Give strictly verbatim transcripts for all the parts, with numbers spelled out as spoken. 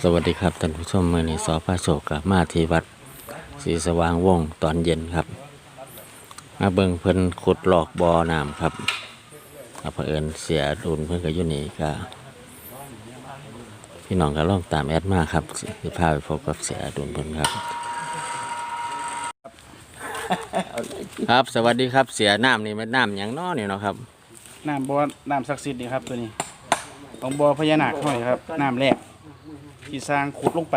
สวัสดีครับท่านผู้ชมมื่อนี้สอพระโศกกับมาที่วัดศรีสว่างวงศ์ตอนเย็นครับมาเบิ่งเพิ่นขุดหลอกบ่อน้ำครับเผอิญเสียดุลเพิ่นก็อยู่นี่ก็พี่น้องก็ลองตามแอดมาครับสิพาไปพบกับเสียดุลเพิ่นครับครับสวัสดีครับเสียน้ำนี่มันน้ำหยังน้อนี่เนาะครับน้ำบ่อน้ำศักดิ์สิทธิ์นี่ครับตัวนี้ของบ่อพญานาคห้อยครับน้ำแรกที่สร้างขุดลงไป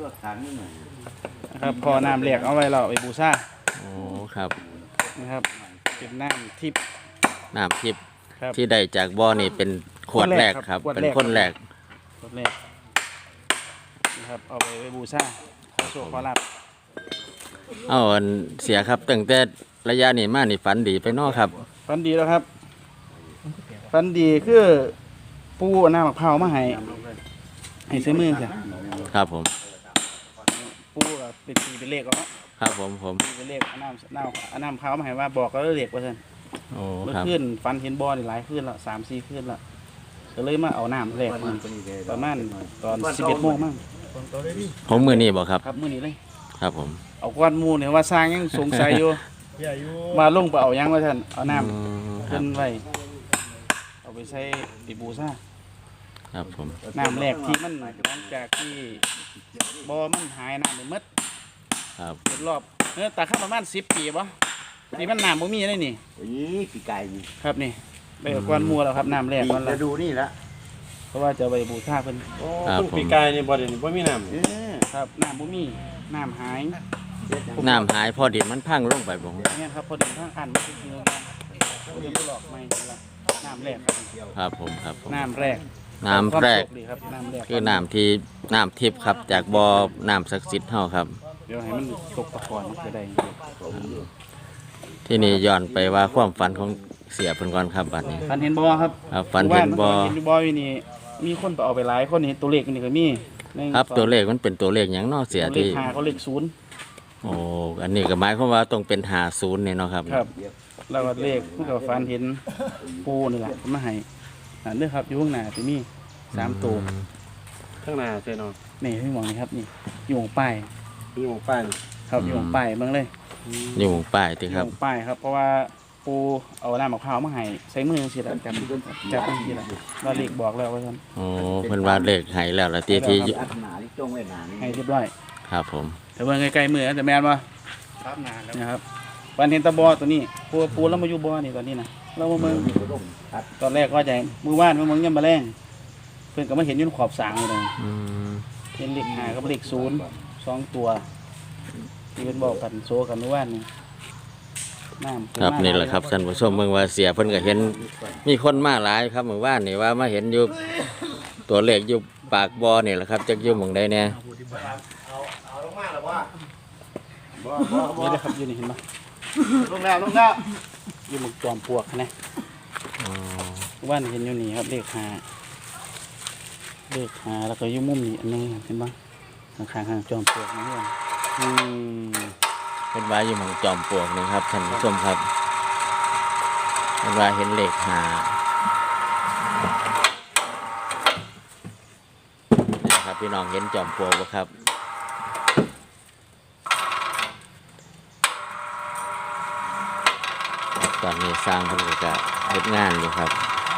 นะครับพอน้ำแรกเอาไว้เราไปบูชาโอ้ครับนะครับเป็นน้ำทิพย์น้ำทิพย์ที่ได้จากบ่อนี่เป็นขวดแรกครับเป็นคนแรกขวดแรกนะครับเอาไปไปบูชาขอโชคขอลาภเอาเสียครับตั้งแต่ระยะนี้มานี่ฝันดีไปนอครับฝันดีแล้วครับฝันดีคือปูน้ำมะพร้าวมาให้ให้ซื้อมือจ้ะครับผมปูเป็นตีเป็นเลขก็ครับผมผมเป็นเลขน้ำน้ำน้ำมะพร้าวมาให้ว่าบอกก็เลขว่าท่านโอ้เมื่อครับคืนฝันเห็นบ่อนี่หลายคืนละสามสี่คืนละก็เลยมาเอาน้ำแรกมาประมาณตอนสิบเอ็ดโมงมั้งผมมือนี่บอกครับครับมือนี้เลยครับผมเอาก้อนมูเนี่ยว่าสร้างยังสงสัยอยู่มาลงไปเอายังว่าท่านเอาน้ำขึ้นไว้เอาไปใช้ปีบูซ่าครับผมน้ำแรกที่มันหลังจากที่บ่อมันหายน้ำเลยมัดครับเป็นรอบเออแต่ข้าประมาณสิบปีป่ะนี่มันน้ำบ่มีได้นี่นี่ปีไก่นี่ครับนี่ไปเอาก้อนมูแล้วครับน้ำแรกก้อนละดูนี่ละเพราะว่าจะไปบูชาเพิ่นโอ้ปีไก่นี่บ่ได้นี่บ่มีน้ำครับน้ำบ่มีน้ำหายน้ำหายพอดินมันพังลงไปบ่เนี่ยครับพอดินพังอันมันคือเนื้อพอดินหลอกไม่ละน้ำแรกครับผมครับน้ำแรกน้ำแรกคือน้ำที่น้ำทิพย์ครับจากบ่อน้ำศักดิ์สิทธิ์เฮาครับเดี๋ยวให้มันตกตะกอนมันจะได้ที่นี่ย้อนไปว่าความฝันของเสียเพิ่นก่อนครับบัดนี้ฝันเห็นบ่อครับฝันเห็นบ่อเห็นบ่ออยู่นี่มีคนไปเอาไปหลายคนเห็นตัวเลขนี่ก็มีครับตัวเลขมันเป็นตัวเลขหยังเนาะเสียที่เลขห้าเขาเลขศูนย์โอ้อันนี้ก็หมายความว่าต้องเป็นห้าสิบเนี่ยเนาะครับครับแล้วก็เลขมันก็ฝันเห็นปูนี่แหละมาให้นั่นเด้อครับอยู่ข้างหน้าที่มีสามตัวข้างหน้าใช่เนาะนี่ที่มองนี่ครับนี่อยู่ป้ายอยู่ป้ายครับอยู่ป้ายเบิ่งเลยอยู่ป้ายติครับอยู่ป้ายครับเพราะว่าปูเอาน้ำมะพร้าวมาให้ใส่มือสิล่ะจับจับจังซี่ล่ะว่าเลขบอกแล้วว่าซั่นโอ้เพิ่นว่าเลขให้แล้วล่ะที่ที่ให้เรียบร้อยครับผมแต่เบิ่งใกล้ๆมือแต่แม่นบ่ครับนานแล้วนะครับวันเห็นตะบอตัวนี้ปูปูแล้วมาอยู่บ่อนี่ตอนนี้นะเรามาเบิ่งตอนแรกก็จะมือว่านมือมึงยังมาแรงเพื่อนก็มาเห็นยืนขอบสางเลยเห็นเลขห้ากับเลขศูนย์สองตัวที่เป็นบอกกันโซกันมือว่านนี่น้ำครับนี่แหละครับท่านผู้ชมเมืองว่าเสียเพิ่นก็เห็นมีคนมาหลายครับมือว่านนี่ว่ามาเห็นอยู่ตัวเลขอยู่ปากบ่อนี่แหละครับจักอยู่หม่องใดแน่นี่นะครับอยู่นี่เห็นไหมลงแล้วลงแล้วอยู่หมกจอมปลวกนะว่านเห็นอยู่นี่ครับเลขห้าเลขห้าแล้วก็อยู่มุมนี้อันนึงเห็นไหมข้างข้างจอมปลวกนี่อืมเป็นว่าอยู่หมองจอมปลวกนี่ครับท่านผู้ชมครับเป็นว่าเห็นเลขห้านี่ครับพี่น้องเห็นจอมปลวกบ่ครับตอนนี้สร้างเพิ่นก็เฮ็ดงานอยู่ครับ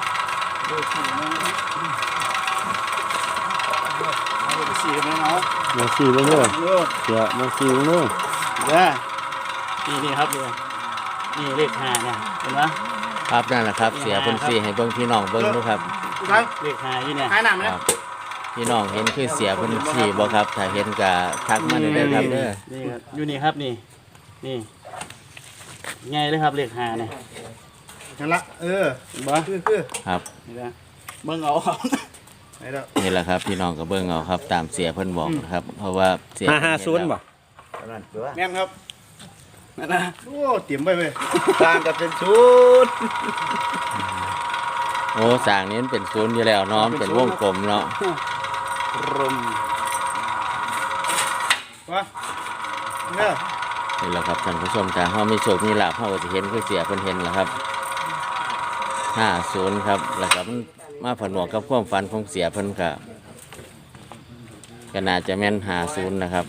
มาสี่ไหมเนาะมาสี่แล้วเนอะเดี๋ยวมาสี่แล้วเนอะเด้อนี่นี่ครับดูนี่เลขห้าเนี่ยเห็นไหมครับนั่นแหละครับเสียเพิ่นสี่ให้เบิ่งพี่น้องเบิ่งดูครับเลขห้าอยู่เนี่ยครับพี่น้องเห็นคือเสียเพิ่นสี่บ่ครับถ้าเห็นก็ทักมาได้เลยครับเด้อนี่ครับอยู่นี่ครับนี่นี่ไงเลยครับเลขห้าเนี่ยนั่นละเออบ่คือคือครับนี่ละเบิ่งเอานี่แหละครับพี่น้องก็เบิ่งเอาครับตามเสียเพิ่นบอกนะครับเพราะว่าเสียห้าศูนย์บ่แม่นครับนั่นนะโอ้เตรียมไว้เว้ยสร้างกับเป็นศูนย์โอ้สร้างนี้เป็นศูนย์อยู่แล้วเนาะเป็นวงกลมเนาะรมว่าเนี่ยนี่แหละครับท่านผู้ชมถ้าเฮามีโชคมีลาภเฮาก็สิเห็นคือเสียเพิ่นเห็นแหละครับห้าศูนย์ครับแล้วก็มันมาผนวกกับความฝันของเสียเพิ่นก็ก็น่าจะแม่นหาศูนย์นะครับ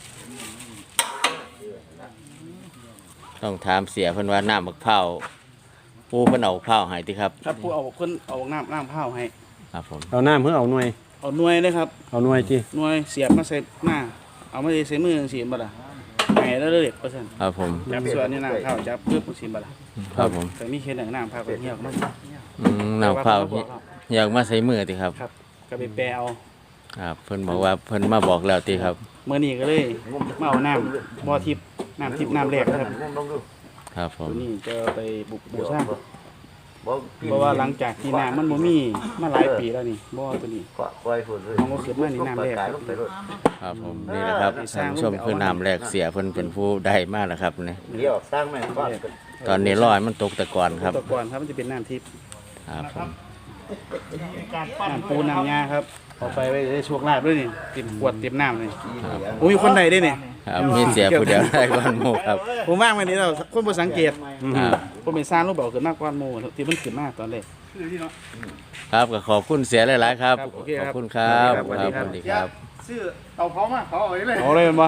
ต้องถามเสียเพิ่นว่าน้ำมะพร้าวปูเพิ่นเอามะพร้าวให้ติครับครับผู้เอาคนเอาน้ำน้ำข้าวให้ครับผมเอาน้ำเพื่อเอาหน่วยเอาหน่วยเลยครับเอาหน่วยจีหน่วยเสียบมาใส่หน้าเอามาใส่มือสีบัดล่ะไงแล้วเด็กเปอร์เซ็นต์ครับผมจับส่วนนี้น้ำข้าวจับเพื่อผู้สีบัดล่ะครับผมแต่มีเคสหนึ่งน้ำข้าวก็เหี่ยวมากอืมน้ำมะพร้าวอยากมาใส่มือติครับครับก็ไปแปลเอาครับเพิ่นบอกว่าเพิ่นมาบอกแล้วติครับเมื่อนี้ก็เลยมาเอาน้ำบ่อทิพย์น้ำทิพย์น้ำแรกนะครับครับผมตัวนี้จะไปบุกบูชาเพราะว่าหลังจากที่น้ำมันบ่มีมาหลายปีแล้วนี่บ่อตัวนี้ของก็ขึ้นมานี่น้ำแรกครับครับผมนี่แหละครับท่านผู้ชมคือน้ำแรกเสียเพิ่นเป็นผู้ได้มากแล้วครับนี่เดี๋ยวสร้างแม่บ้านตอนนี้รอยมันตกตะกอนครับตะกอนครับมันจะเป็นน้ำทิพย์ครับผมน้ำปูน้ำยาครับเอาไปไว้ได้โชคลาภด้วยนี่เต็มขวดเต็มน้ำเลยโอ้ยคนใดได้เนี่ยครับมีเสียผู้เดียวได้ก่อนหมู่ครับผมว่างวันนี้เราคนบ่สังเกตครับผมเป็นสร้างรูปแบบขึ้นมากกว่าหมู่ที่มันขึ้นมากตอนแรกครับก็ขอบคุณเสียหลายๆครับครับโอเคขคอรับบ คุณครับสวัสดีครับสวัสดีครับซื้อเอาพร้อมมาเขาเอาไว้เลยเอาเลยมันบ่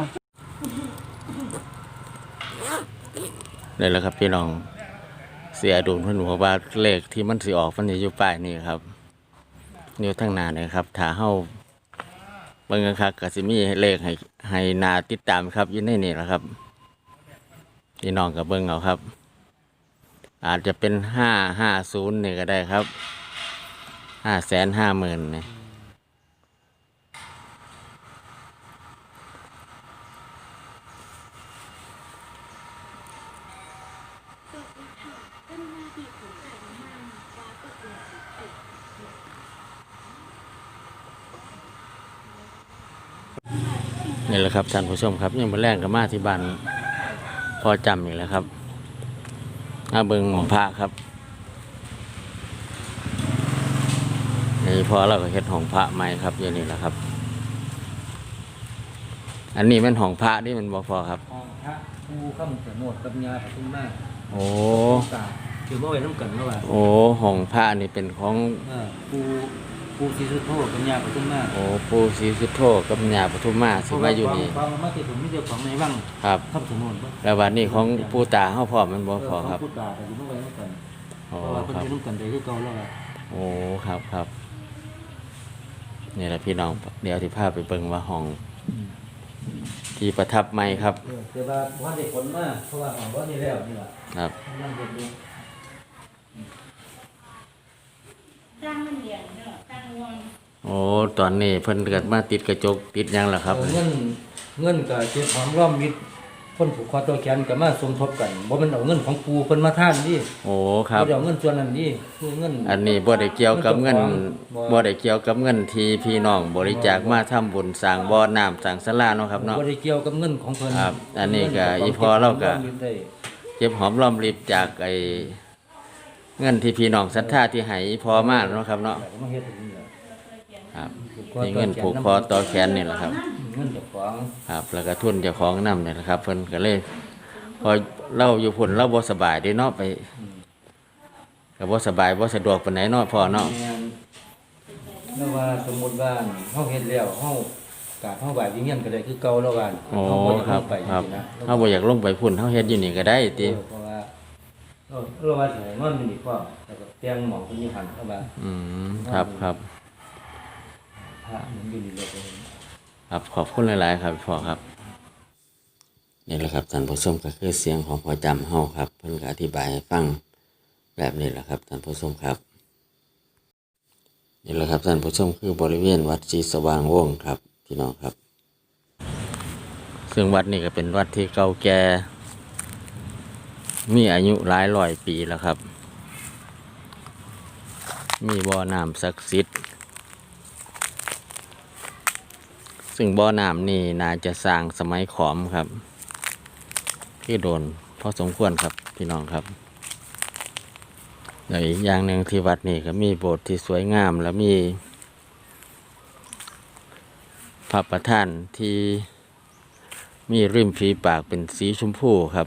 นี่แหละครับพี่น้องเสียดุลเพิ่นบอกว่าเลขที่มันสิออกมันจะอยู่ป้ายนี่ครับอยู่ทางหน้านี่ครับถ้าเฮาเบิ่งคักๆก็สิมีเลขให้ให้หน้าติดตามครับอยู่ในนี่แหละครับพี่น้องก็เบิ่งเอาครับ อาจจะเป็นห้าห้าศูนย์นี่ก็ได้ครับห้าแสนห้าหมื่นนี่นี่แหละครับท่านผู้ชมครับยังมาแรงกับมาที่บ้านพอจำอีกแล้วครับอาเบิงหมองพระครับนี่พอเราก็เฮ็ดห้องพระใหม่ครับอย่างนี้แหละครับ อันนี้เป็นห้องพระนี่มันบ่พอครับห้องพระภูข้ามสมุทรกับยาปทุมมาโอ้ตาถือว่าไว้น้ำกันแล้วว่าโอ้ห้องพระนี่เป็นของเออภูภูศรีสุโธกับยาปทุมมาโอ้ปู่ศรีสุโธกับญาปทุมมาสิมาอยู่นี่ฟังมาที่ผมไม่เดียวของในวังครับข้ามสมุทรแล้ววันนี้ของปู่ตาเฮาพร้อมมันบ่พอครับพูดตาแต่อยู่ต้องไว้น้ำกันโอ้เพราะว่าเพิ่นครับจะน้ำกันได้คือเก่าแล้วว่าโอ้ครับครับนี่แหละพี่น้องเดี๋ยวที่พาไปเบิ่งว่าห้องที่ประทับใหม่ครับเออแต่ว่าวันเด็กผลมากเพราะว่าของว่านี่แล้วนี่แหละครับนั่งเรียนดูตั้งมันเหลี่ยมเนาะตั้งวงโอ้ตอนนี้เพิ่นเกิดมาติดกระจกติดหยังล่ะครับเออเงินเงินกับเจ็บหอมร่อมมิตรคนผูกคอตัวแขนกับมาสมทบกันบ่แมันเอาเงินของปูเพิ่นมาท่านดิโอ้ครับบ่ได้เอาเงินส่วนนั้นดิคือเงินอันนี้บ่ได้เกี่ยวกับเงินบ่บ่ได้เกี่ยวกับเงินที่พี่น้องบริจาคมาทำบุญสร้างบ่อน้ำสร้างศาลาเนาะครับเนาะบ่ได้เกี่ยวกับเงินของเพิ่นครับอันนี้ก็อีพอเราก็ได้เก็บหอมรอมริบจากไอ้เงินที่พี่น้องศรัทธาที่ให้พอมาเนาะครับเนาะมาเฮ็ดอย่างนี้แหละครับนี่เงินผูกคอต่อแขนนี่แหละครับเงินเจ้าของครับ แล้วก็ทุนเจ้าของนำเนี่ยนะครับเพิ่นก็เลยพอเล่าอยู่พุ่นเล่าบ่สบายเด้เนาะไปก็บ่สบายบ่สะดวกปานไหนเนาะพ่อเนาะแม่นแล้วว่าสมมุติว่าเฮาเฮ็ดแล้วเฮา กราบเฮาไหว้วิญญาณก็ได้คือเก่าแล้วว่าโอ้เฮาบ่อยากคลรับงไปครับจังซี่นะเฮาบ่อยากลงไปพุ่นเฮาเฮ็ดอยู่นี่ก็ได้ติเออเพราะว่าเราเราว่าสิให้นอนอยู่นี่พร้อมแล้วก็เตียงหมองเพิ่นอยู่หั่นเข้ามาอืมครับครับพระมันอยู่นี่เลยครับขอบคุณหลาย ๆ ครับพ่อครับนี่แหละครับท่านผู้ชมก็คือเสียงของพ่อจำเฮาครับเพิ่นก็อธิบายให้ฟังแบบนี้แหละครับท่านผู้ชมครับนี่แหละครับท่านผู้ชมคือบริเวณวัดศรีสว่างวงศ์ครับพี่น้องครับ ซึ่งวัดนี้ก็เป็นวัดที่เก่าแก่มีอายุหลายร้อยปีแล้วครับ มีบ่อน้ำศักดิ์สิทธิ์ซึ่งบ่อน้ำนี่น่าจะสร้างสมัยขอมครับที่โดนพอสมควรครับพี่น้องครับแล้วอีกอย่างหนึ่งที่วัดนี่ก็มีโบสถ์ที่สวยงามและมีพระประธานที่มีริมฝีปากเป็นสีชมพูครับ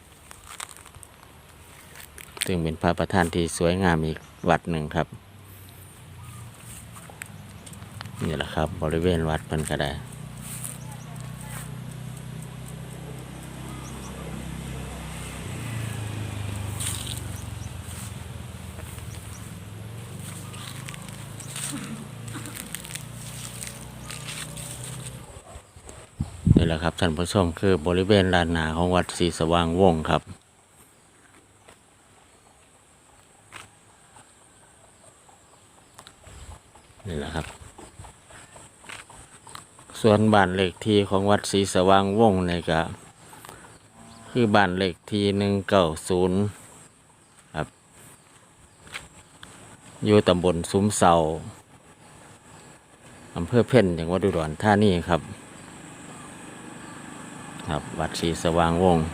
ซึ่งเป็นพระประธานที่สวยงามอีกวัดหนึ่งครับนี่แหละครับบริเวณวัดเพิ่นก็ได้นี่แหละครับท่านผู้ชมคือบริเวณลานหนาของวัดศรีสว่างวงศ์ครับนี่แหละครับส่วนบ้านเลขที่ของวัดศรีสว่างวงศ์นี่ก็คือบ้านเลขที่หนึ่งเก้าศูนย์ครับอยู่ตำบลซุ้มเสาอำเภอเพ่นจังหวัดอุดรธานีครับครับวัดศรีสว่างวงศ์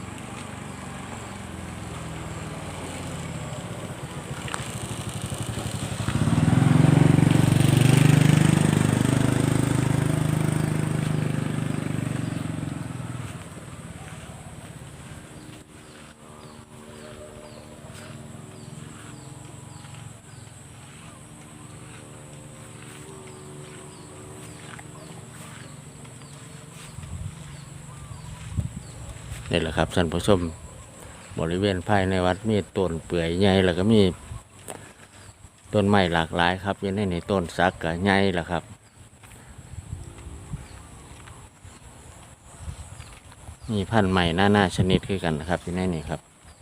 นี่แหละครับท่านผู้ชมบริเวณภายในวัดมีต้นเปื่อยใหญ่แล้วก็มีต้นไม้หลากหลายครับอยังในต้นสักกับใหญ่แหละครับมีพันธุ์ใหม่หน้าหน้าชนิดคือกันนะครับที่นี่นี่ครับ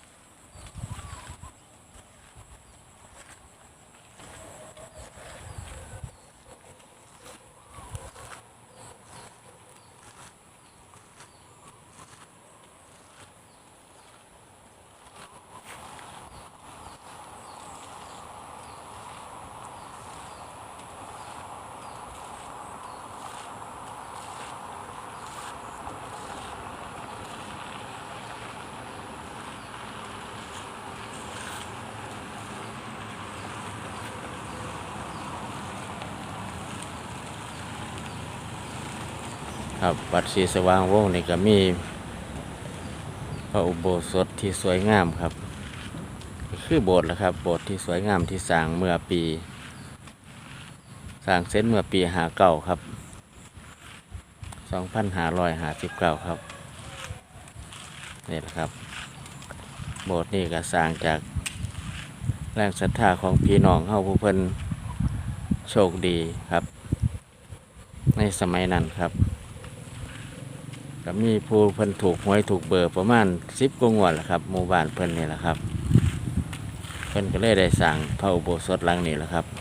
ครับวัดศรีสว่างวงศ์นี่ก็มีพระอุโบสถที่สวยงามครับคือโบสถ์แหละครับโบสถ์ที่สวยงามที่สร้างเมื่อปีสร้างเสร็จเมื่อปีห้าเก้าครับสองพันห้าร้อยห้าสิบเก้าครับนี่แหละครับโบสถ์นี่ก็สร้างจากแรงศรัทธาของพี่น้องเฮาผู้เพิ่นโชคดีครับในสมัยนั้นครับก็มีผู้เพิ่นถูกหวยถูกเบอร์ประมาณสิบกว่างวดแหละครับหมู่บ้านเพิ่นนี่แหละครับเพิ่นก็เลยได้สร้างพระอุโบสถหลังนี้แหละครับ